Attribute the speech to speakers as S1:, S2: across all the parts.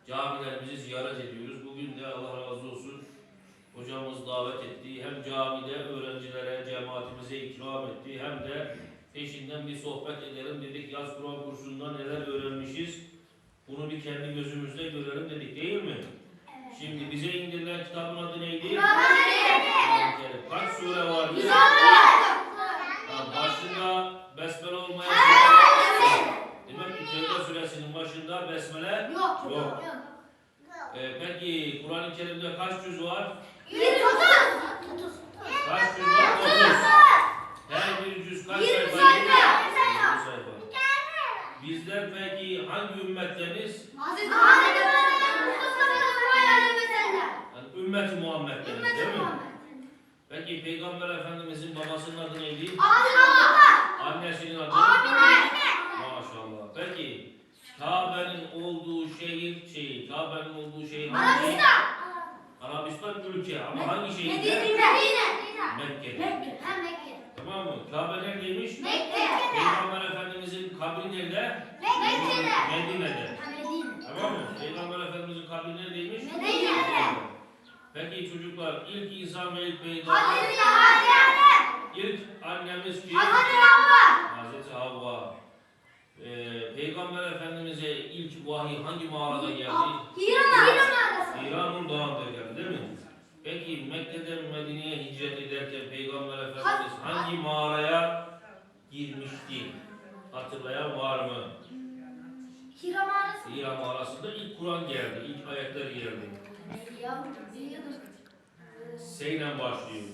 S1: camilerimizi ziyaret ediyoruz. Bugün de Allah razı olsun hocamız davet etti. Hem camide öğrencilere, cemaatimize ikram etti. Hem de peşinden bir sohbet edelim dedik. Yaz Kur'an kursunda neler öğrenmişiz? Bunu bir kendi gözümüzde görelim dedik, değil mi? Evet. Şimdi bize indirilen kitabın adı neydi? Kaç sure vardı? Başında besmele olmayan demek ki Tevbe suresinin başında besmele yok. Peki Kur'an-ı Kerim'de kaç cüz var?
S2: 130.
S1: Kaç cüz var? 30. Her bir cüz kaç sayfa? 20 sayfa. Bizler peki hangi ümmetteniz? Yani ümmeti Muhammed'deniz, değil mi? Peki Peygamber Efendimizin babasının adı neydi? Annesinin adı? Maşallah. Peki Kabe'nin olduğu şehir Kabe'nin olduğu şehir hangi? Arabistan ülke ama hangi şehirde? Mekke. Tamam mı? Kabe neredeymiş? Peygamber Efendimizin kabri nerede? Medine'de. Tamam mı? Peygamber Efendimizin kabri neredeymiş? Medine'de. Peki çocuklar ilk insan ve ilk peygamber? İlk annemiz kim? Hazreti Havva. Peygamber Efendimiz'e ilk vahiy hangi mağarada geldi? Hiranur Dağı'nda geldi, değil mi? Peki Mekke'den Medine'ye hicret ederken Peygamber Efendimiz hangi mağaraya girmişti? Hatırlayan var mı? Hira mağarasında ilk Kur'an geldi, ilk ayetler geldi. Seyle başlıyor.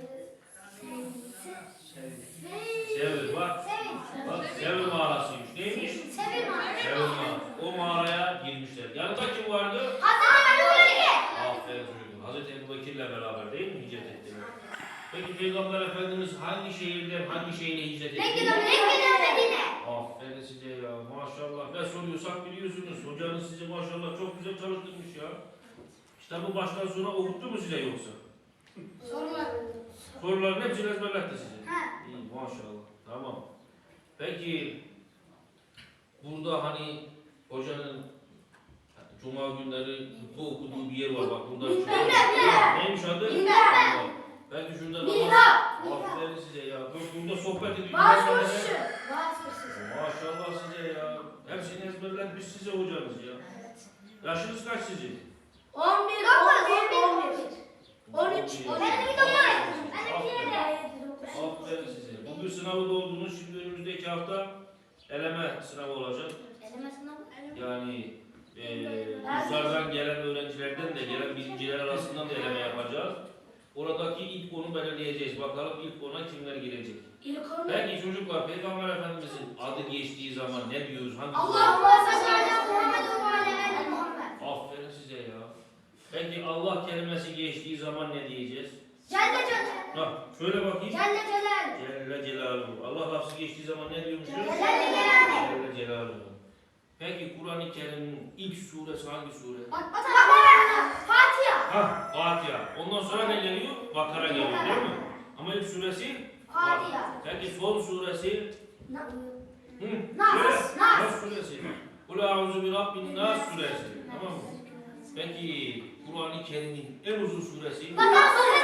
S1: Sevr bak. Bak Sevr mağarasıymış. Neymiş? Sevr mağarası. O mağaraya girmişler. Yanında kim vardı? Aferin çocuklar. Hazreti Ebu Bekir'le beraber değil mi hicret ettiler? Peki Peygamber Efendimiz hangi şehirde, hangi şehre hicret etti? Aferin size ya. Maşallah. Ne soruyorsak biliyorsunuz. Hocanız sizi maşallah çok güzel çalıştırmış ya. Kitabı baştan sona okuttu mu size yoksa? Soruların hepsini ezberletti size. İyi maşallah. Tamam. Peki burada hani hocanın Cuma günleri hutbe okuduğu bir yer var. Bak burada bir şey var. Neymiş adı? Belki şurada namaz. Aferin size ya. Burada sohbet ediyoruz. Maşallah size ya. Hepsini ezberletmiş size hocanız ya. Yaşınız kaç sizin?
S2: 11. 13.
S1: Aferin size. Bugün sınavı doldunuz. Şimdi önümüzdeki hafta eleme sınavı olacak. Yani kurslardan gelen öğrencilerden de gelen birinciler arasından da eleme yapacağız. Oradaki ilk konu belirleyeceğiz. Bakalım ilk ona kimler girecek. Peki çocuklar Peygamber Efendimizin adı geçtiği zaman ne diyoruz? Aferin size ya. Peki Allah kelimesi geçtiği zaman ne diyeceğiz? Bak şöyle bakayım. Celle Celaluhu. Allah lafzı geçtiği zaman ne diyormuşuz? Celle Celaluhu. Peki Kur'an-ı Kerim'in ilk suresi hangi sure? Fatiha. Ondan sonra ne geliyor? Bakara geliyor değil mi? Ama ilk suresi Fatiha. Peki son suresi? Nas suresi. Kul a'udhu bi rabbin nas suresi. Tamam mı? Peki Kur'an-ı Kerim'in en uzun suresi?